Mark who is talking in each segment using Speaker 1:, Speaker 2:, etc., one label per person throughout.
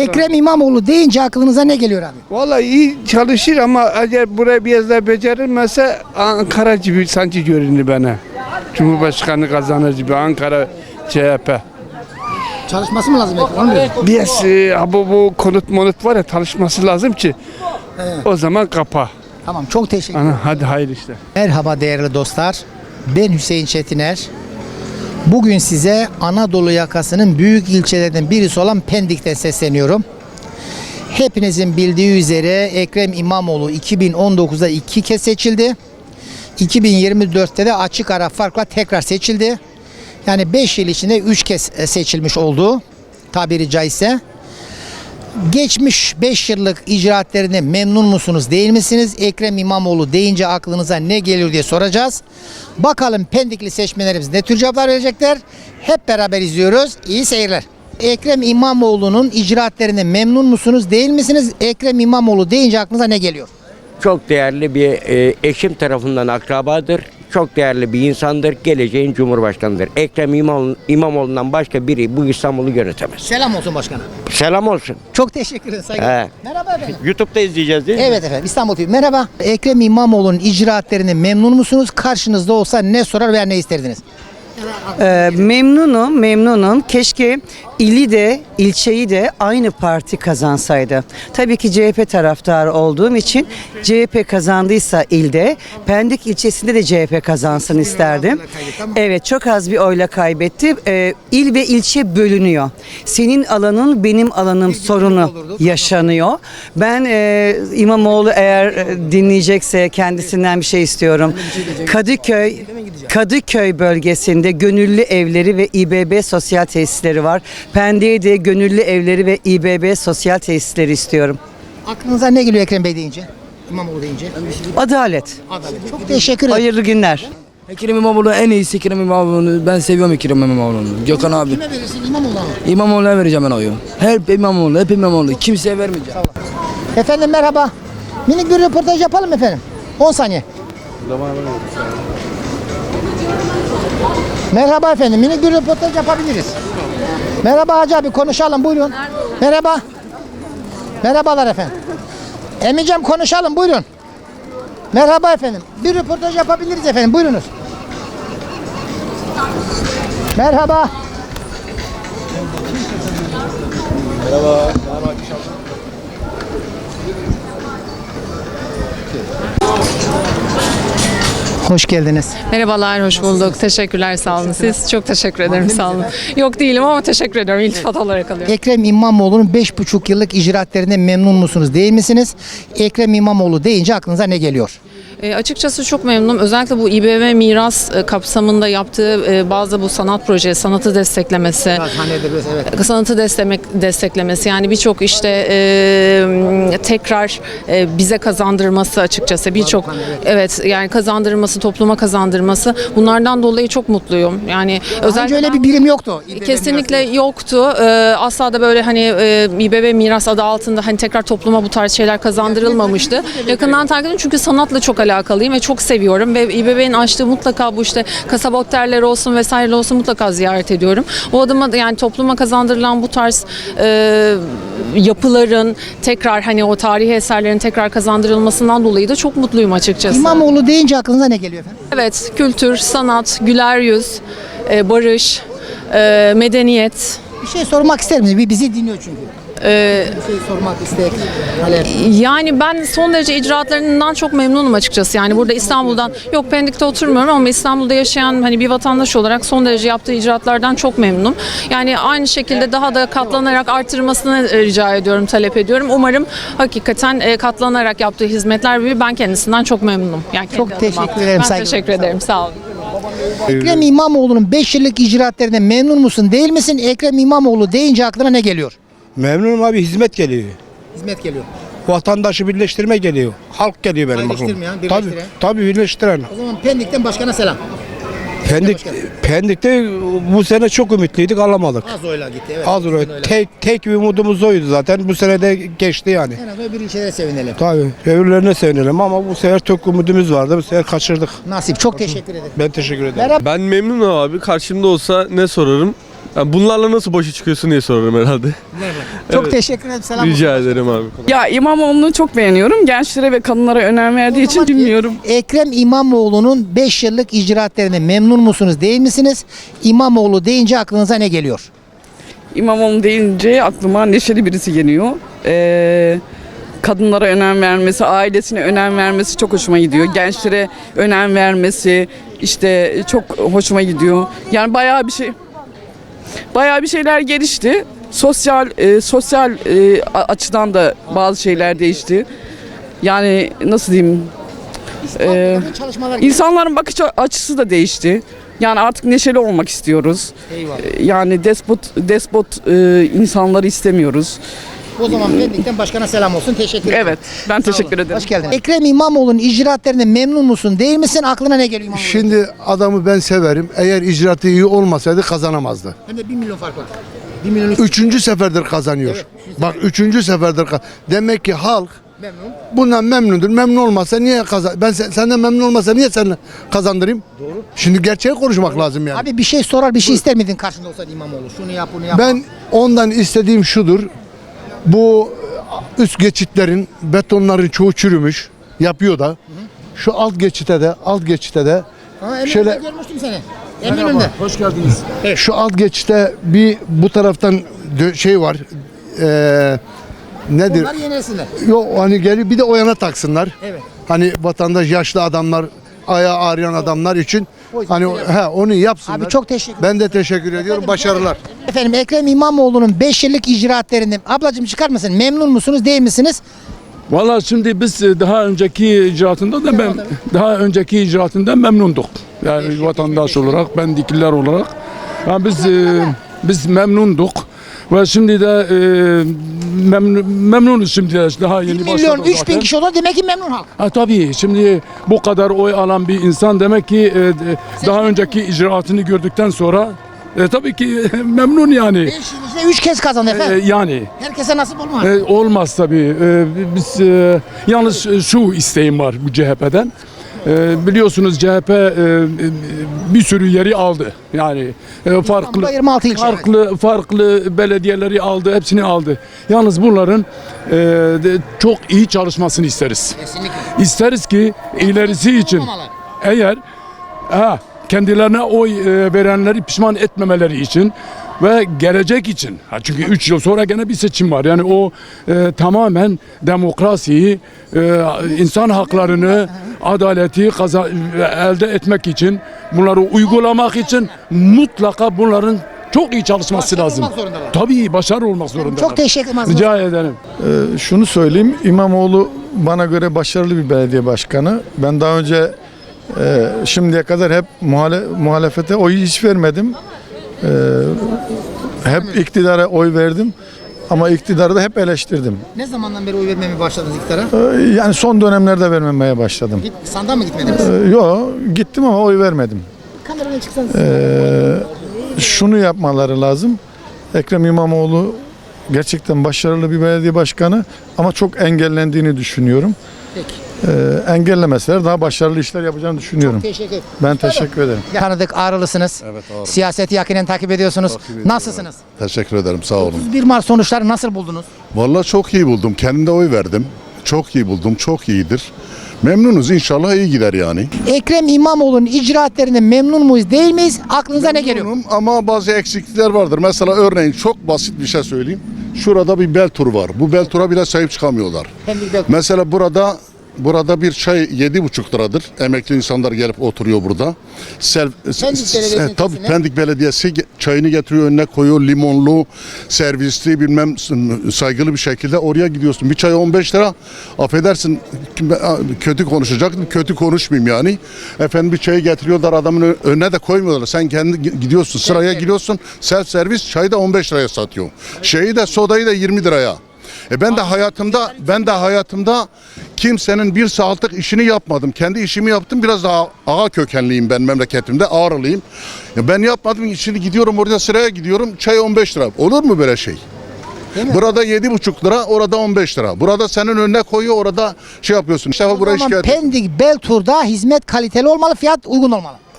Speaker 1: Ekrem İmamoğlu deyince aklınıza ne geliyor abi?
Speaker 2: Vallahi iyi çalışır ama eğer buraya biraz daha becerilmezse Ankara gibi sanki görünür bana. Cumhurbaşkanı kazanır gibi Ankara CHP.
Speaker 1: Çalışması mı lazım Ekrem?
Speaker 2: Biraz bu konut var ya çalışması lazım ki o zaman kapa.
Speaker 1: Tamam, çok teşekkür ederim.
Speaker 2: Hadi hayırlı işler.
Speaker 1: Merhaba değerli dostlar. Ben Hüseyin Çetiner. Bugün size Anadolu yakasının büyük ilçelerinden birisi olan Pendik'ten sesleniyorum. Hepinizin bildiği üzere Ekrem İmamoğlu 2019'da 2 kez seçildi. 2024'te de açık ara farkla tekrar seçildi. Yani 5 yıl içinde 3 kez seçilmiş oldu tabiri caizse. Geçmiş 5 yıllık icraatlerine memnun musunuz, değil misiniz? Ekrem İmamoğlu deyince aklınıza ne geliyor diye soracağız. Bakalım Pendikli seçmenlerimiz ne tür cevaplar verecekler? Hep beraber izliyoruz. İyi seyirler. Ekrem İmamoğlu'nun icraatlerine memnun musunuz, değil misiniz? Ekrem İmamoğlu deyince aklınıza ne geliyor?
Speaker 3: Çok değerli bir eşim tarafından akrabadır. Çok değerli bir insandır. Geleceğin Cumhurbaşkanıdır. Ekrem İmamoğlu'ndan başka biri bu İstanbul'u yönetemez.
Speaker 1: Selam olsun başkanım.
Speaker 3: Selam olsun.
Speaker 1: Çok teşekkür ederim. Saygılar.
Speaker 3: He.
Speaker 1: Merhaba efendim.
Speaker 3: YouTube'da izleyeceğiz değil mi?
Speaker 1: Evet efendim, İstanbul TV. Merhaba. Ekrem İmamoğlu'nun icraatlerine memnun musunuz? Karşınızda olsa ne sorar veya ne isterdiniz?
Speaker 4: Memnunum. Keşke ili de ilçeyi de aynı parti kazansaydı. Tabii ki CHP taraftarı olduğum için CHP kazandıysa ilde, Pendik ilçesinde de CHP kazansın isterdim. Evet, çok az bir oyla kaybetti. İl ve ilçe bölünüyor. Senin alanın benim alanım sorunu yaşanıyor. Ben İmamoğlu eğer dinleyecekse kendisinden bir şey istiyorum. Kadıköy bölgesinde gönüllü evleri ve İBB sosyal tesisleri var. Pendik'te de gönüllü evleri ve İBB sosyal tesisleri istiyorum.
Speaker 1: Aklınıza ne geliyor Ekrem Bey deyince? İmamoğlu deyince?
Speaker 4: Adalet.
Speaker 1: Çok teşekkür ederim.
Speaker 4: Hayırlı günler.
Speaker 5: Ekrem İmamoğlu en iyisi. Ekrem İmamoğlu'nu ben seviyorum. Ekrem İmamoğlu'nu. Gökhan abi.
Speaker 1: Kime verirsin, İmamoğlu'na mı?
Speaker 5: İmamoğlu'na vereceğim ben oyu. Hep İmamoğlu. Kimseye vermeyeceğim.
Speaker 1: Efendim merhaba. Minik bir röportaj yapalım efendim. 10 saniye. Merhaba efendim. Minik bir röportaj yapabiliriz. Merhaba Hacı abi, konuşalım buyurun. Merhaba. Merhabalar efendim. Emicem konuşalım buyurun. Merhaba efendim. Bir röportaj yapabiliriz efendim. Buyurunuz. Merhaba. Hoş geldiniz.
Speaker 6: Merhabalar, hoş bulduk. Teşekkürler, sağ olun. Siz çok teşekkür ederim, sağ olun. Yok değilim ama teşekkür ediyorum. İltifat olarak alıyorum.
Speaker 1: Ekrem İmamoğlu'nun 5,5 yıllık icraatlerine memnun musunuz, değil misiniz? Ekrem İmamoğlu deyince aklınıza ne geliyor?
Speaker 6: Açıkçası çok memnunum. Özellikle bu İBB miras kapsamında yaptığı bazı bu sanat projesi, sanatı desteklemesi, sanatı desteklemesi, yani birçok işte tekrar bize kazandırması açıkçası, birçok evet yani kazandırması, topluma kazandırması, bunlardan dolayı çok mutluyum. Yani özellikle
Speaker 1: Önce öyle bir birim yoktu. İBB
Speaker 6: kesinlikle
Speaker 1: mirası.
Speaker 6: yoktu. Asla da böyle hani İBB miras adı altında hani tekrar topluma bu tarz şeyler kazandırılmamıştı. Yakından takip ediyorum çünkü sanatla çok alakalıyım ve çok seviyorum ve İBB'nin açtığı mutlaka bu işte kasaba otelleri olsun vesaire olsun mutlaka ziyaret ediyorum. O adıma da yani topluma kazandırılan bu tarz yapıların tekrar hani o tarihi eserlerin tekrar kazandırılmasından dolayı da çok mutluyum açıkçası.
Speaker 1: İmamoğlu deyince aklınıza ne geliyor efendim?
Speaker 6: Evet, kültür, sanat, güler yüz, barış, medeniyet.
Speaker 1: Bir şey sormak ister misiniz? Bir bizi dinliyor çünkü. Bir şey sormak istek.
Speaker 6: Yani ben son derece icraatlarından çok memnunum açıkçası. Yani burada İstanbul'dan, yok Pendik'te oturmuyorum ama İstanbul'da yaşayan hani bir vatandaş olarak son derece yaptığı icraatlardan çok memnunum. Yani aynı şekilde daha da katlanarak artırmasını rica ediyorum, talep ediyorum. Umarım hakikaten katlanarak yaptığı hizmetler gibi ben kendisinden çok memnunum. Yani
Speaker 1: Çok teşekkür ederim.
Speaker 6: Ben
Speaker 1: saygılar.
Speaker 6: teşekkür ederim. Sağ olun.
Speaker 1: Ekrem İmamoğlu'nun 5 yıllık icraatlerine memnun musun, değil misin? Ekrem İmamoğlu deyince aklına ne geliyor?
Speaker 7: Memnunum abi, hizmet geliyor.
Speaker 1: Hizmet geliyor.
Speaker 7: Vatandaşı birleştirme geliyor. Halk geliyor benim aklıma.
Speaker 1: Ayrıştırmayan, birleştiren.
Speaker 7: Tabii birleştiren.
Speaker 1: O zaman Pendik'ten başkana selam.
Speaker 7: Pendik'te bu sene çok ümitliydik, alamadık.
Speaker 1: Az oyla gitti. Evet.
Speaker 7: Az oraya. Tek bir umudumuz oydu zaten. Bu sene de geçti yani.
Speaker 1: En azından bir ilçelere sevinelim.
Speaker 7: Tabii. Öbürlerine sevinelim ama bu sefer çok umudumuz vardı. Bu sefer kaçırdık.
Speaker 1: Nasip. Çok teşekkür ederim.
Speaker 7: Ben teşekkür ederim.
Speaker 1: Merhaba.
Speaker 8: Ben memnunum abi. Karşımda olsa ne sorarım? Yani bunlarla nasıl başa çıkıyorsun diye sorarım herhalde.
Speaker 1: Çok teşekkür ederim. Selam olsun.
Speaker 8: Rica ederim abi.
Speaker 9: Ya İmamoğlu'nu çok beğeniyorum. Gençlere ve kadınlara önem verdiği için bilmiyorum.
Speaker 1: Ekrem İmamoğlu'nun 5 yıllık icraatlerine memnun musunuz değil misiniz? İmamoğlu deyince aklınıza ne geliyor?
Speaker 9: İmamoğlu deyince aklıma neşeli birisi geliyor. Kadınlara önem vermesi, ailesine önem vermesi çok hoşuma gidiyor. Gençlere önem vermesi işte çok hoşuma gidiyor. Yani bayağı bir şeyler gelişti. Sosyal açıdan da bazı şeyler değişti. Yani nasıl diyeyim? İnsanların bakış açısı da değişti. Yani artık neşeli olmak istiyoruz.
Speaker 1: Eyvallah.
Speaker 9: Yani despot insanları istemiyoruz.
Speaker 1: O zaman Pendik'ten başkana selam olsun. Teşekkür ederim.
Speaker 9: Evet, ben teşekkür ederim.
Speaker 1: Hoş geldin. Ekrem İmamoğlu'nun icraatlerine memnun musun değil misin? Aklına ne geliyor İmamoğlu?
Speaker 10: Şimdi adamı ben severim. Eğer icraatı iyi olmasaydı kazanamazdı.
Speaker 1: Hem de 1 milyon fark var. 1 milyon
Speaker 10: Üçüncü seferdir kazanıyor.
Speaker 1: Evet.
Speaker 10: Bak üçüncü seferdir. Demek ki halk
Speaker 1: memnun.
Speaker 10: bundan memnundur. Memnun olmasa niye senden memnun olmasa niye sen kazandırayım? Doğru. Şimdi gerçeği konuşmak lazım yani.
Speaker 1: Abi bir şey sorar bir şey ister miydin karşında olsaydı İmamoğlu? Şunu yap bunu yap.
Speaker 10: Ben ondan istediğim şudur. Bu üst geçitlerin betonların çoğu çürümüş. Yapıyor da. Şu alt geçite de şöyle
Speaker 1: görmüştüm seni. Eminönü'nde.
Speaker 10: hoş geldiniz. Şu alt geçite bir bu taraftan şey var. Nedir?
Speaker 1: Onlar yenilesinler.
Speaker 10: Yok hani geliyor bir de o yana taksınlar.
Speaker 1: Evet.
Speaker 10: Hani vatandaş yaşlı adamlar, ayağı ağrıyan adamlar için hani onu yapsınlar.
Speaker 1: Abi çok teşekkür
Speaker 10: Ben de teşekkür ediyorum. Başarılar.
Speaker 1: Efendim Ekrem İmamoğlu'nun 5 yıllık icraatlerini ablacığım çıkar mısın? Memnun musunuz değil misiniz?
Speaker 11: Vallahi şimdi biz daha önceki icraatından memnunduk. Yani vatandaş olarak, Pendikliler olarak. Yani biz memnunduk. Ve şimdi de memnunuz şimdi de daha
Speaker 1: 1
Speaker 11: yeni
Speaker 1: milyon
Speaker 11: başladık
Speaker 1: 3 bin
Speaker 11: zaten.
Speaker 1: kişi olur demek ki memnun halk.
Speaker 11: Tabii şimdi bu kadar oy alan bir insan demek ki daha önceki icraatını gördükten sonra tabii ki memnun yani.
Speaker 1: 5 yıl içinde 3 kez kazandı efendim.
Speaker 11: Yani
Speaker 1: Herkese nasip olmaz.
Speaker 11: olmaz tabii. Biz yalnız şu isteğim var bu CHP'den. Biliyorsunuz CHP bir sürü yeri aldı. Yani
Speaker 1: İstanbul'da 26 ilçe.
Speaker 11: farklı belediyeleri aldı, hepsini aldı. Yalnız bunların çok iyi çalışmasını isteriz.
Speaker 1: Kesinlikle.
Speaker 11: İsteriz ki ilerisi için eğer kendilerine oy verenleri pişman etmemeleri için ve gelecek için. Çünkü 3 yıl sonra gene bir seçim var. Yani o tamamen demokrasiyi, insan haklarını, adaleti elde etmek için, bunları uygulamak için mutlaka bunların çok iyi çalışması
Speaker 1: Başarılı
Speaker 11: lazım.
Speaker 1: olmak zorundalar.
Speaker 11: Tabii başarılı olmak zorundalar.
Speaker 1: Çok teşekkür ederim.
Speaker 11: Rica ederim.
Speaker 12: Şunu söyleyeyim, İmamoğlu bana göre başarılı bir belediye başkanı. Ben daha önce şimdiye kadar hep muhalefete oy hiç vermedim. Hep iktidara oy verdim. Ama iktidarı da hep eleştirdim.
Speaker 1: Ne zamandan beri oy vermeye başladınız iktidara?
Speaker 12: Yani son dönemlerde vermemeye başladım.
Speaker 1: Sandığa mı gitmediniz?
Speaker 12: Yok, gittim ama oy vermedim.
Speaker 1: Kameradan çıksanız.
Speaker 12: Şunu yapmaları lazım. Ekrem İmamoğlu gerçekten başarılı bir belediye başkanı ama çok engellendiğini düşünüyorum.
Speaker 1: Peki.
Speaker 12: Engellemeseler daha başarılı işler yapacağını düşünüyorum.
Speaker 1: Teşekkür ederim.
Speaker 12: Ben teşekkür ederim.
Speaker 1: Tanıdık, Ağrılısınız.
Speaker 10: Evet, Ağrı.
Speaker 1: Siyaseti yakinen takip ediyorsunuz.
Speaker 10: Nasılsınız? Teşekkür ederim. Sağ olun.
Speaker 1: 1 Mart sonuçları nasıl buldunuz?
Speaker 10: Vallahi çok iyi buldum. Kendimde oy verdim. Çok iyi buldum. Çok iyidir. Memnunuz. İnşallah iyi gider yani.
Speaker 1: Ekrem İmamoğlu'nun icraatlerine memnun muyuz değil miyiz? Aklınıza ne geliyor?
Speaker 10: Memnunum ama bazı eksiklikler vardır. Mesela örneğin çok basit bir şey söyleyeyim. Şurada bir bel turu var. Bu bel tura bile sahip çıkamıyorlar. Mesela burada bir çay 7,5 liradır. Emekli insanlar gelip oturuyor burada. Tabii Pendik Belediyesi çayını getiriyor, önüne koyuyor, limonlu, servisli, bilmem saygılı bir şekilde oraya gidiyorsun. Bir çay 15 lira. Affedersin, kötü konuşacaktım. Kötü konuşmayayım yani. Efendim bir çayı getiriyorlar, adamın önüne de koymuyorlar. Sen kendi gidiyorsun, sıraya giriyorsun. Self servis çayı da 15 liraya satıyor. Sodayı da 20 liraya. Ben de hayatımda kimsenin bir saatlik işini yapmadım. Kendi işimi yaptım. Biraz daha ağa kökenliyim ben memleketimde. Ağrılıyım. Ben yapmadım. Şimdi gidiyorum orada sıraya gidiyorum. Çay 15 lira. Olur mu böyle şey? Burada 7,5 lira, orada 15 lira. Burada senin önüne koyuyor, orada şey yapıyorsun. İşte
Speaker 1: O zaman Pendik Beltur'da hizmet kaliteli olmalı, fiyat uygun olmalı.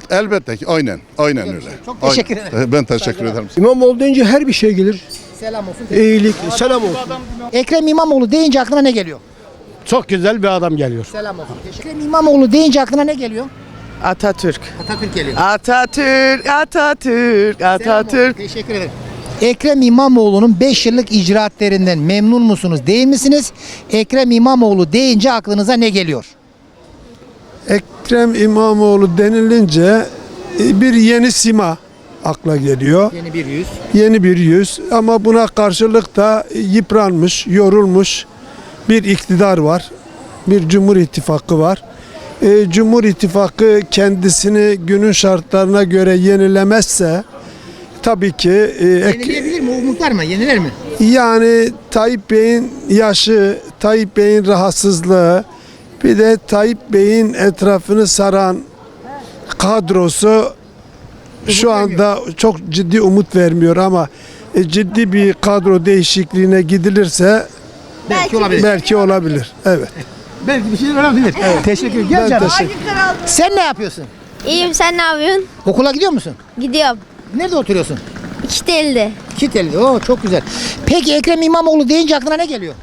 Speaker 10: Elbette ki aynen öyle.
Speaker 1: Çok teşekkür ederim.
Speaker 10: Ben teşekkür ederim.
Speaker 7: İmamoğlu deyince her bir şey gelir.
Speaker 1: Selam olsun.
Speaker 7: İyilik, selam olsun.
Speaker 1: Ekrem İmamoğlu deyince aklına ne geliyor?
Speaker 7: Çok güzel bir adam geliyor.
Speaker 1: Selam olsun. Ekrem İmamoğlu deyince aklına ne geliyor?
Speaker 4: Atatürk.
Speaker 1: Atatürk geliyor.
Speaker 4: Atatürk, Atatürk,
Speaker 1: Selam olsun.
Speaker 4: Atatürk.
Speaker 1: Teşekkür ederim. Ekrem İmamoğlu'nun 5 yıllık icraatlerinden memnun musunuz, değil misiniz? Ekrem İmamoğlu deyince aklınıza ne geliyor?
Speaker 7: Ekrem İmamoğlu denilince bir yeni sima akla geliyor.
Speaker 1: Yeni bir yüz.
Speaker 7: Yeni bir yüz ama buna karşılık da yıpranmış, yorulmuş bir iktidar var. Bir Cumhur İttifakı var. Cumhur İttifakı kendisini günün şartlarına göre yenilemezse tabii ki
Speaker 1: Yenileyebilir mi? Umutlar mı? Yeniler mi?
Speaker 7: yani Tayyip Bey'in yaşı, Tayyip Bey'in rahatsızlığı, bir de Tayyip Bey'in etrafını saran kadrosu şu anda çok ciddi umut vermiyor ama ciddi bir kadro değişikliğine gidilirse
Speaker 1: Belki olabilir.
Speaker 7: belki olabilir. Evet.
Speaker 1: Belki bir şeyler olabilir. Teşekkür ederim. Gel canım. Sen ne yapıyorsun?
Speaker 13: İyiyim, sen ne yapıyorsun?
Speaker 1: Okula gidiyor musun?
Speaker 13: Gidiyorum.
Speaker 1: Nerede oturuyorsun?
Speaker 13: İkitel'de.
Speaker 1: Kiteli. Oo, çok güzel. Peki Ekrem İmamoğlu deyince aklına ne geliyor?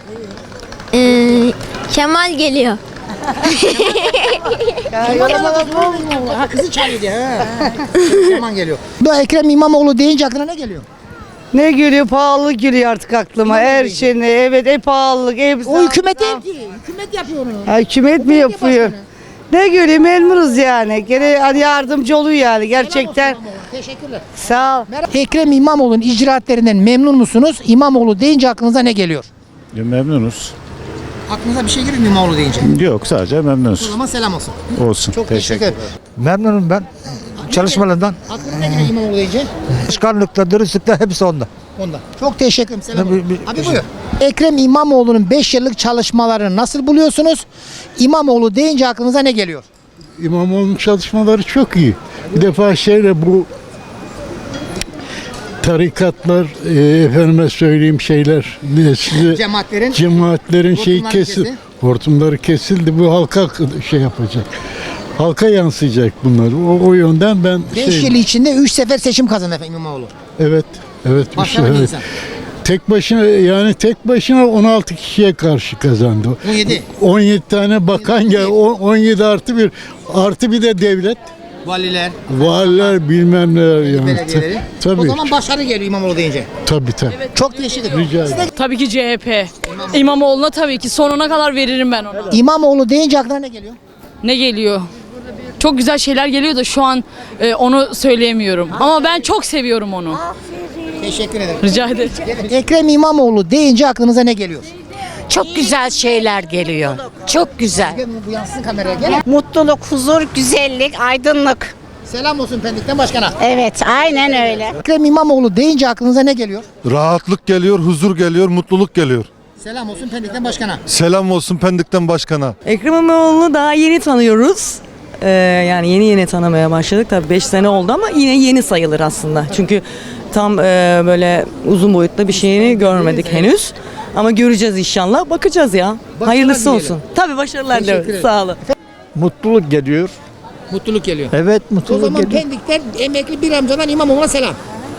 Speaker 13: Kemal geliyor.
Speaker 1: Ha, kızı çağırıyor diye. Kemal geliyor. Bu Ekrem İmamoğlu deyince aklına ne geliyor?
Speaker 4: Ne geliyor? Pahalılık geliyor artık aklıma. Her şey ne? Evet, pahalılık,
Speaker 1: O hükümet değil ki. Hükümet yapıyor onu.
Speaker 4: Ha, hükümet mi yapıyor? Ne göreyim, memnunuz yani. Gene hani yardımcı oluyor yani gerçekten.
Speaker 1: Teşekkürler.
Speaker 4: Sağ ol.
Speaker 1: Ekrem İmamoğlu'nun icraatlerinden memnun musunuz? İmamoğlu deyince aklınıza ne geliyor?
Speaker 14: Memnunuz.
Speaker 1: Aklınıza bir şey geliyor mu İmamoğlu deyince?
Speaker 14: Yok, sadece
Speaker 1: O
Speaker 14: memnunuz.
Speaker 1: zaman selam olsun.
Speaker 14: Olsun.
Speaker 1: Çok teşekkür ederim.
Speaker 7: Memnunum ben çalışmalarından.
Speaker 1: Aklına ne geliyor İmamoğlu deyince?
Speaker 7: Başkanlıkta, dürüstlükte hepsi onda.
Speaker 1: Ondan. Çok teşekkür ederim. Selam olsun. Abi buyur. Ekrem İmamoğlu'nun 5 yıllık çalışmalarını nasıl buluyorsunuz? İmamoğlu deyince aklınıza ne geliyor?
Speaker 14: İmamoğlu'nun çalışmaları çok iyi. Bir defa bu tarikatlar, efendime söyleyeyim şeyler, cemaatlerin şeyi
Speaker 1: hortumları
Speaker 14: kesildi. Hortumları kesildi. Bu halka şey yapacak. Halka yansıyacak bunlar. O yönden ben
Speaker 1: 5 yıl içinde 3 sefer seçim kazandı efendim İmamoğlu.
Speaker 14: Evet.
Speaker 1: Başarılı bir insan.
Speaker 14: Tek başına 16 kişiye karşı kazandı.
Speaker 1: 17.
Speaker 14: 17 tane bakan gel, 17 artı bir de devlet. Valiler bilmem neler yani.
Speaker 1: Belediyeleri.
Speaker 14: Tabii.
Speaker 1: O zaman başarı geliyor İmamoğlu deyince.
Speaker 14: Tabii.
Speaker 1: Çok teşekkür ederim.
Speaker 14: Rica ederim.
Speaker 6: Tabii ki CHP. İmamoğlu'na tabii ki sonuna kadar veririm ben ona.
Speaker 1: İmamoğlu deyince aklına ne geliyor?
Speaker 6: Ne geliyor? Çok güzel şeyler geliyor da şu an onu söyleyemiyorum. Ama ben çok seviyorum onu.
Speaker 1: Teşekkür ederim.
Speaker 6: Rica ederim.
Speaker 1: Ekrem İmamoğlu deyince aklınıza ne geliyor?
Speaker 15: Çok güzel şeyler geliyor. Çok güzel.
Speaker 1: Bu yansın kameraya gel.
Speaker 15: Mutluluk, huzur, güzellik, aydınlık.
Speaker 1: Selam olsun Pendik'ten başkana.
Speaker 15: Evet, aynen öyle.
Speaker 1: Ekrem İmamoğlu deyince aklınıza ne geliyor?
Speaker 12: Rahatlık geliyor, huzur geliyor, mutluluk geliyor.
Speaker 1: Selam olsun Pendik'ten başkana.
Speaker 12: Selam olsun Pendik'ten başkana.
Speaker 4: Ekrem İmamoğlu'nu daha yeni tanıyoruz. Yani yeni tanımaya başladık. Tabii 5 sene oldu ama yine yeni sayılır aslında. Çünkü tam böyle uzun boyutlu bir şeyini görmedik henüz. Ama göreceğiz inşallah. Bakacağız ya. Hayırlısı
Speaker 1: dilerim.
Speaker 4: olsun. Tabii başarılar
Speaker 1: Teşekkür
Speaker 4: diliyorum.
Speaker 1: ederim.
Speaker 4: Sağ olun.
Speaker 7: Mutluluk geliyor.
Speaker 1: Mutluluk geliyor.
Speaker 7: Evet,
Speaker 1: O
Speaker 7: mutluluk
Speaker 1: zaman
Speaker 7: geliyor.
Speaker 1: Pendik'ten emekli bir amcadan İmamoğlu'na selam.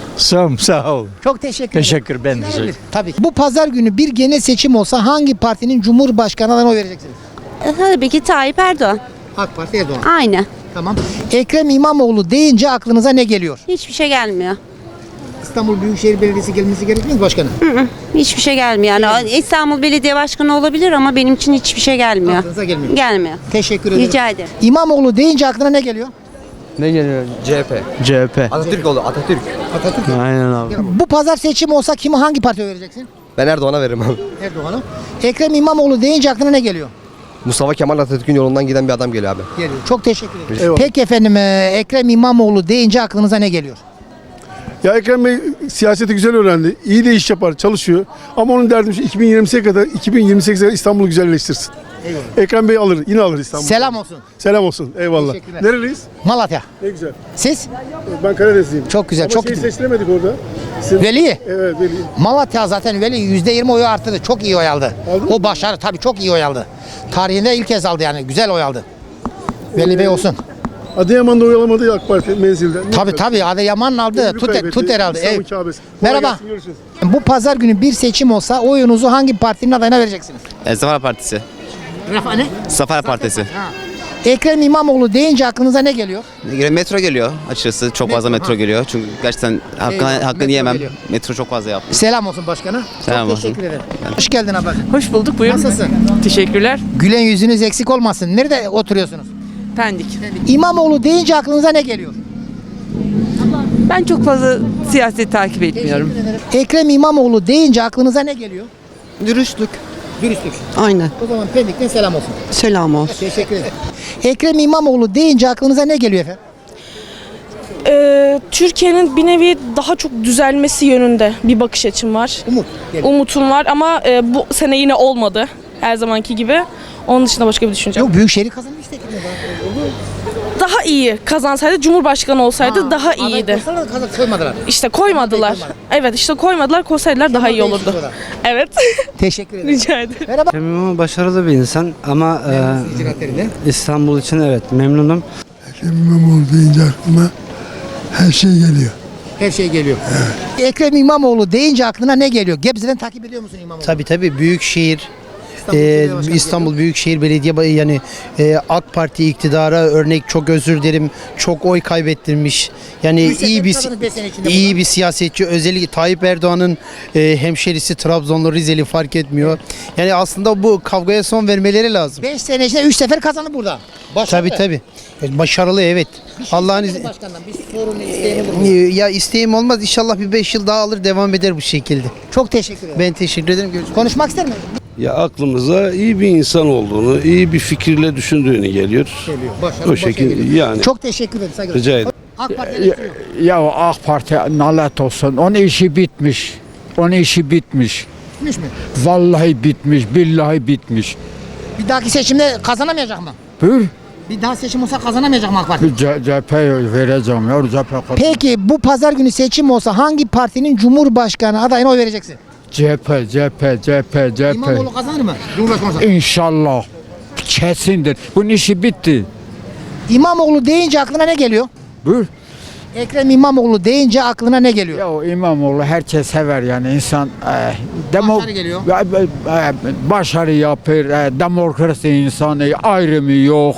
Speaker 7: Sağ ol.
Speaker 1: Çok teşekkür ederim.
Speaker 7: Teşekkür ben de.
Speaker 1: Tabii. Bu pazar günü bir genel seçim olsa hangi partinin cumhurbaşkanı adayına oy vereceksiniz?
Speaker 13: Tabii ki Tayyip Erdoğan.
Speaker 1: AK Parti Erdoğan.
Speaker 13: Aynı.
Speaker 1: Tamam. Ekrem İmamoğlu deyince aklınıza ne geliyor?
Speaker 13: Hiçbir şey gelmiyor.
Speaker 1: İstanbul Büyükşehir Belediyesi gelmesi gerekmiyor mu başkanım?
Speaker 13: Hiçbir şey gelmiyor. Yani İstanbul Belediye Başkanı olabilir ama benim için hiçbir şey gelmiyor.
Speaker 1: Aklınıza gelmiyor.
Speaker 13: Gelmiyor.
Speaker 1: Teşekkür ederim.
Speaker 13: Rica ederim.
Speaker 1: İmamoğlu deyince aklına ne geliyor?
Speaker 5: Ne geliyor? CHP.
Speaker 3: Atatürk oldu, Atatürk.
Speaker 5: Aynen abi.
Speaker 1: Bu pazar seçim olsa kime hangi partiye vereceksin?
Speaker 3: Ben Erdoğan'a veririm abi.
Speaker 1: Erdoğan'a. Ekrem İmamoğlu deyince aklına ne geliyor?
Speaker 3: Mustafa Kemal Atatürk'ün yolundan giden bir adam geliyor abi.
Speaker 1: Geliyor. Çok teşekkür ederim. Peki efendim Ekrem İmamoğlu deyince aklınıza ne geliyor?
Speaker 7: Ya Ekrem Bey siyaseti güzel öğrendi. İyi de iş yapar, çalışıyor. Ama onun derdim şu 2028'e kadar İstanbul'u güzelleştirsin.
Speaker 1: Eyvallah.
Speaker 7: Ekrem Bey alır, yine alır İstanbul'u.
Speaker 1: Selam olsun.
Speaker 7: Selam olsun. Eyvallah.
Speaker 1: Teşekkürler.
Speaker 7: Nereliyiz?
Speaker 1: Malatya.
Speaker 7: Ne güzel.
Speaker 1: Siz?
Speaker 7: Ben Karadenizliyim.
Speaker 1: Çok güzel.
Speaker 7: Ama
Speaker 1: çok
Speaker 7: şeyi
Speaker 1: güzel.
Speaker 7: seçtiremedik orada.
Speaker 1: Veli.
Speaker 7: Evet, Veli.
Speaker 1: Malatya zaten Veli %20 oyu arttırdı. Çok iyi oy aldı. O başarı tabii çok iyi oy aldı. Tarihinde ilk kez aldı yani. Güzel oy aldı. Veli Bey olsun.
Speaker 14: Adıyaman'da oyalamadı ya AK Parti menzilde.
Speaker 1: Tabii Adıyaman aldı. Tuter aldı.
Speaker 14: İstanbul
Speaker 1: Evet.
Speaker 14: Kabe'si. Kolay
Speaker 1: Merhaba.
Speaker 14: gelsin, görüşürüz.
Speaker 1: Bu pazar günü bir seçim olsa oyunuzu hangi partinin adayına vereceksiniz?
Speaker 16: Zafer Partisi.
Speaker 1: Ne?
Speaker 16: Zafer Partisi.
Speaker 1: Ekrem İmamoğlu deyince aklınıza ne geliyor?
Speaker 16: Metro geliyor açıkçası. Çok fazla metro geliyor. Çünkü gerçekten hakkını
Speaker 1: metro
Speaker 16: yemem.
Speaker 1: geliyor.
Speaker 16: Metro çok fazla yaptı.
Speaker 1: Selam olsun başkana.
Speaker 16: Selam
Speaker 1: Çok
Speaker 16: olsun.
Speaker 1: teşekkür ederim. Hoş geldin abla.
Speaker 17: Hoş bulduk. Buyurun.
Speaker 1: Nasılsın?
Speaker 17: Teşekkürler.
Speaker 1: Gülen yüzünüz eksik olmasın. Nerede oturuyorsunuz?
Speaker 17: Pendik.
Speaker 1: İmamoğlu deyince aklınıza ne geliyor?
Speaker 17: Ben çok fazla siyaseti takip etmiyorum.
Speaker 1: Ekrem İmamoğlu deyince aklınıza ne geliyor?
Speaker 18: Dürüstlük.
Speaker 1: Dürüstlük.
Speaker 18: Aynen.
Speaker 1: O zaman Pendik'ten selam olsun.
Speaker 18: Selam olsun.
Speaker 1: Teşekkür ederim. Ekrem İmamoğlu deyince aklınıza ne geliyor efendim?
Speaker 19: Türkiye'nin bir nevi daha çok düzelmesi yönünde bir bakış açım var. Umutum var ama bu sene yine olmadı. Her zamanki gibi. Onun dışında başka bir düşüncem.
Speaker 1: Yok, Büyükşehir'i kazanmış işte.
Speaker 19: Daha iyi kazansaydı, Cumhurbaşkanı olsaydı daha iyiydi.
Speaker 1: Koymadılar.
Speaker 19: İşte koymadılar. Evet, işte koymadılar. Koysaydılar daha iyi olurdu. Evet.
Speaker 1: Teşekkür ederim.
Speaker 19: Rica ederim.
Speaker 1: Merhaba.
Speaker 20: Ekrem İmamoğlu başarılı bir insan ama İstanbul için evet memnunum.
Speaker 14: Ekrem İmamoğlu deyince aklıma her şey geliyor.
Speaker 1: Her şey geliyor. Ekrem İmamoğlu deyince aklına ne geliyor? Gebze'den takip ediyor musun İmamoğlu?
Speaker 20: Tabii Büyükşehir İstanbul Büyükşehir Belediye yani AK Parti iktidara örnek, çok özür dilerim, çok oy kaybettirmiş. Yani iyi bir siyasetçi. Özellikle Tayyip Erdoğan'ın hemşerisi, Trabzonlu, Rizeli fark etmiyor. Yani aslında bu kavgaya son vermeleri lazım.
Speaker 1: 5 sene içinde 3 sefer kazandı burada. Başarılı.
Speaker 20: Tabii. Başarılı evet. Allah'ın izniyle.
Speaker 1: Başkandan bir sorun isteğim olur mu?
Speaker 20: Ya isteğim olmaz. İnşallah bir 5 yıl daha alır, devam eder bu şekilde.
Speaker 1: Çok teşekkür ederim.
Speaker 20: Ben teşekkür ederim. Görüşürüz.
Speaker 1: Konuşmak ister misin?
Speaker 21: Ya aklımıza iyi bir insan olduğunu, iyi bir fikirle düşündüğünü geliyor.
Speaker 1: Başarılı,
Speaker 21: O şekilde yani.
Speaker 1: Çok teşekkür ederim. Saygılar.
Speaker 21: Rica ederim.
Speaker 1: AK Parti
Speaker 22: Ya AK Parti nalet olsun. Onun işi bitmiş. Onun işi bitmiş.
Speaker 1: bitmiş mi?
Speaker 22: Vallahi bitmiş. Billahi bitmiş.
Speaker 1: Bir dahaki seçimde kazanamayacak mı?
Speaker 22: Buyur.
Speaker 1: Bir daha seçim olsa kazanamayacak mı AK Parti?
Speaker 22: CHP'ye vereceğim ya.
Speaker 1: Peki bu pazar günü seçim olsa hangi partinin Cumhurbaşkanı adayına oy vereceksin?
Speaker 22: CHP.
Speaker 1: İmamoğlu kazanır mı? Cumhurbaşkanı olsa.
Speaker 22: İnşallah. Kesindir. Bunun işi bitti.
Speaker 1: İmamoğlu deyince aklına ne geliyor?
Speaker 22: Buyur.
Speaker 1: Ekrem İmamoğlu deyince aklına ne geliyor?
Speaker 22: Ya o İmamoğlu herkes sever yani insan
Speaker 1: Başarı geliyor.
Speaker 22: Başarı yapır, demokrasi insanı, ayrımı yok.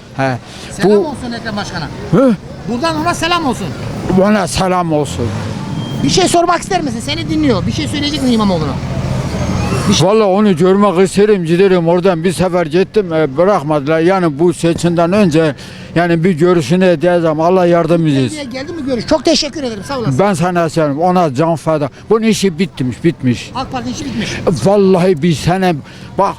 Speaker 1: Selam olsun Ekrem Başkan'a. Buradan ona selam olsun.
Speaker 22: Ona selam olsun.
Speaker 1: Bir şey sormak ister misin? Seni dinliyor. Bir şey söyleyecek mi İmamoğlu'na?
Speaker 22: Vallahi onu görmek isterim, giderim oradan bir sefer gittim, bırakmadılar. Yani bu seçimden önce yani bir görüşünü edeceğim. Allah yardımcımız etsin.
Speaker 1: Geldi mi görüş? Çok teşekkür ederim. Sağ olasın.
Speaker 22: Ben sana söyleyeyim, ona can feda. Bunun işi bitmiş.
Speaker 1: AK Parti işi bitmiş.
Speaker 22: Vallahi bir sene bak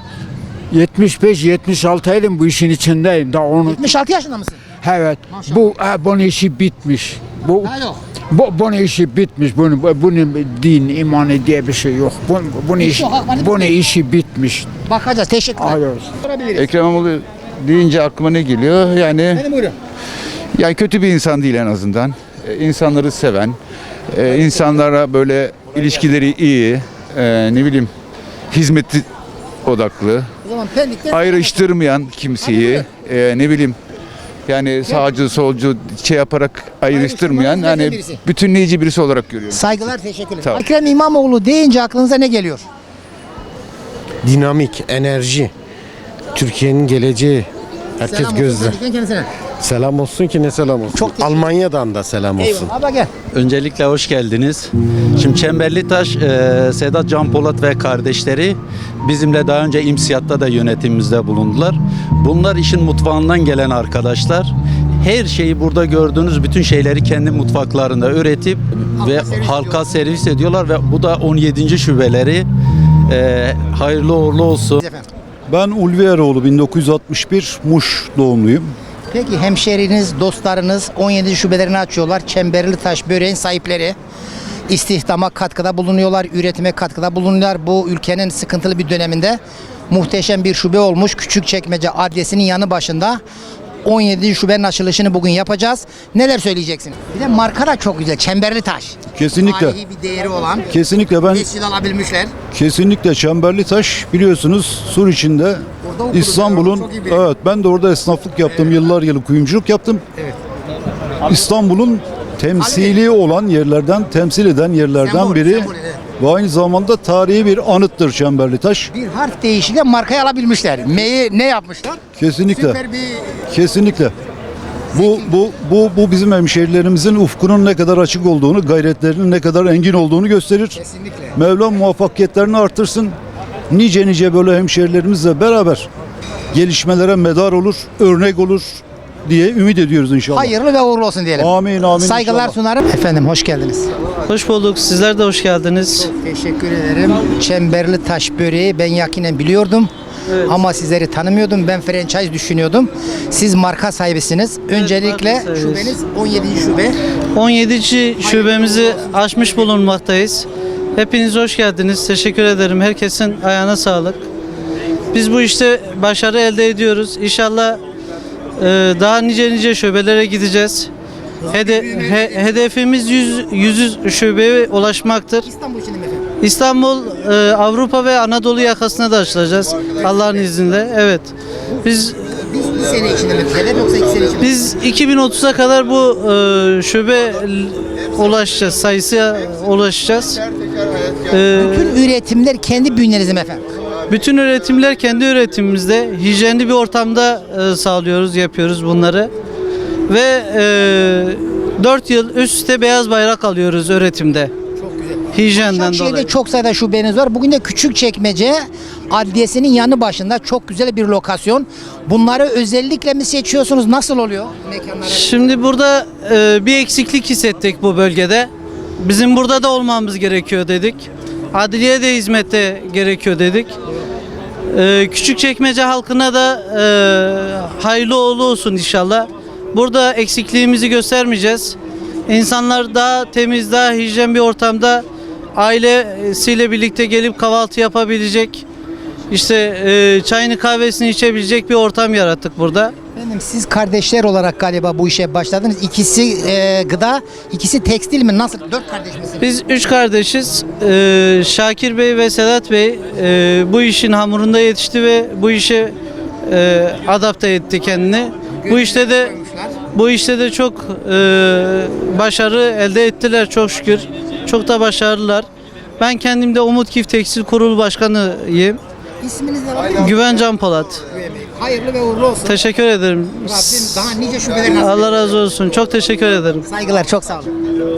Speaker 22: 75-76 yılım bu işin içindeyim. Daha onu
Speaker 1: 76 yaşında mısın?
Speaker 22: evet. Bunun işi bitmiş.
Speaker 1: Daha yok.
Speaker 22: Bunun işi bitmiş. Bunun din, imanı diye bir şey yok. Bunun işi bitmiş.
Speaker 1: Bakacağız. Teşekkürler.
Speaker 23: Ekrem İmamoğlu deyince aklıma ne geliyor? Yani
Speaker 1: buyurun.
Speaker 23: yani kötü bir insan değil en azından. İnsanları seven, insanlara böyle ilişkileri iyi, ne bileyim hizmeti odaklı,
Speaker 1: O zaman Pendik'te
Speaker 23: ayrıştırmayan kimseyi, ne bileyim yani sağcı solcu şey yaparak ayrıştırmayan yani
Speaker 1: birisi.
Speaker 23: bütünleyici birisi olarak görüyorum.
Speaker 1: Saygılar, teşekkürler.
Speaker 23: Sağ ol.
Speaker 1: Ekrem İmamoğlu deyince aklınıza ne geliyor?
Speaker 24: Dinamik, enerji, Türkiye'nin geleceği. Herkes
Speaker 1: Selam
Speaker 24: gözde.
Speaker 1: olsun Pendik'ten kendisine.
Speaker 24: Selam olsun ki ne selam olsun. Almanya'dan da selam olsun.
Speaker 1: Eyvallah. Abla gel.
Speaker 25: Öncelikle hoş geldiniz. Şimdi Çemberlitaş, Sedat Can Polat ve kardeşleri bizimle daha önce İMSİAD'da da yönetimimizde bulundular. Bunlar işin mutfağından gelen arkadaşlar. Her şeyi burada gördüğünüz bütün şeyleri kendi mutfaklarında üretip ve halka servis ediyorlar ve bu da 17. şubeleri. Hayırlı uğurlu olsun.
Speaker 26: Ben Ulvi Eroğlu, 1961 Muş doğumluyum.
Speaker 1: Peki hemşehriniz, dostlarınız 17 şubelerini açıyorlar. Çemberlitaş böreğin sahipleri. İstihdama katkıda bulunuyorlar, üretime katkıda bulunuyorlar. Bu ülkenin sıkıntılı bir döneminde muhteşem bir şube olmuş. Küçükçekmece adresinin yanı başında 17 şubenin açılışını bugün yapacağız. Neler söyleyeceksin? Bir de marka da çok güzel. Çemberlitaş.
Speaker 26: Kesinlikle.
Speaker 1: Tarihi bir değeri olan.
Speaker 26: Kesinlikle ben
Speaker 1: Tescil alabilmişler.
Speaker 26: kesinlikle Çemberlitaş biliyorsunuz Sur içinde İstanbul'un, evet ben de orada esnaflık yaptım. Yıllar yılı kuyumculuk yaptım.
Speaker 1: Evet.
Speaker 26: İstanbul'un temsili olan yerlerden, temsil eden yerlerden
Speaker 1: Sembol,
Speaker 26: biri.
Speaker 1: sembol, evet.
Speaker 26: Ve aynı zamanda tarihi bir anıttır Çemberlitaş.
Speaker 1: Bir harf değişiyle markayı alabilmişler. M'yi ne yapmışlar?
Speaker 26: Kesinlikle.
Speaker 1: Süper bir
Speaker 26: Kesinlikle. Bu bizim hemşehrilerimizin ufkunun ne kadar açık olduğunu, gayretlerinin ne kadar engin olduğunu gösterir.
Speaker 1: kesinlikle.
Speaker 26: Mevlam muvaffakiyetlerini artırsın. Nice böyle hemşehrilerimizle beraber gelişmelere medar olur, örnek olur diye ümit ediyoruz inşallah.
Speaker 1: Hayırlı ve uğurlu olsun diyelim.
Speaker 26: Amin amin.
Speaker 1: Saygılar
Speaker 26: inşallah.
Speaker 1: sunarım. Efendim hoş geldiniz.
Speaker 2: Hoş bulduk. Sizler de hoş geldiniz.
Speaker 1: Teşekkür ederim. Çemberli taş böreği ben yakinen biliyordum. Ama sizleri tanımıyordum. Ben franchise düşünüyordum. Siz marka sahibisiniz. Öncelikle
Speaker 2: marka sahibiyiz.
Speaker 1: şubeniz 17. şube.
Speaker 2: 17. şubemizi açmış bulunmaktayız. Hepiniz hoş geldiniz. Teşekkür ederim. Herkesin ayağına sağlık. Biz bu işte başarı elde ediyoruz. İnşallah daha nice şubelere gideceğiz. Hedefimiz 100 şubeye ulaşmaktır.
Speaker 1: İstanbul için mi efendim?
Speaker 2: İstanbul, Avrupa ve Anadolu yakasına da açılacağız. Allah'ın izniyle. Evet. Biz
Speaker 1: Bir sene içinde mi hedef yoksa 2 sene içinde mi?
Speaker 2: Biz 2030'a kadar bu şube ulaşacağız, sayısına ulaşacağız.
Speaker 1: Bütün üretimler kendi bünyenizde mi efendim?
Speaker 2: Bütün üretimler kendi üretimimizde, hijyenli bir ortamda sağlıyoruz, yapıyoruz bunları. Ve 4 yıl üst üste beyaz bayrak alıyoruz üretimde. Hijyenden
Speaker 1: Başakşehir'de
Speaker 2: dolayı.
Speaker 1: çok sayıda şubeniz var. Bugün de Küçükçekmece Adliyesi'nin yanı başında çok güzel bir lokasyon. Bunları özellikle mi seçiyorsunuz? Nasıl oluyor mekanlara?
Speaker 2: Şimdi burada bir eksiklik hissettik bu bölgede. Bizim burada da olmamız gerekiyor dedik. Adliye de hizmette gerekiyor dedik. Küçükçekmece halkına da hayırlı uğurlu olsun inşallah. Burada eksikliğimizi göstermeyeceğiz. İnsanlar daha temiz, daha hijyen bir ortamda ailesiyle birlikte gelip kahvaltı yapabilecek, işte çayını kahvesini içebilecek bir ortam yarattık burada.
Speaker 1: Efendim siz kardeşler olarak galiba bu işe başladınız. İkisi gıda, ikisi tekstil mi? Nasıl? 4 kardeş misiniz?
Speaker 2: Biz 3 kardeşiz. Şakir Bey ve Sedat Bey bu işin hamurunda yetişti ve bu işe adapte etti kendini. Bu işte de çok başarı elde ettiler çok şükür. Çok da başarılılar. Ben kendim de Umut Kif Tekstil Kurulu Başkanıyım.
Speaker 1: İsminiz ne var?
Speaker 2: Güven Can Polat.
Speaker 1: Hayırlı ve uğurlu olsun.
Speaker 2: Teşekkür ederim.
Speaker 1: Rabbim daha nice şubeler nasip
Speaker 2: Allah razı olsun. Çok teşekkür ederim.
Speaker 1: Saygılar, çok sağ olun.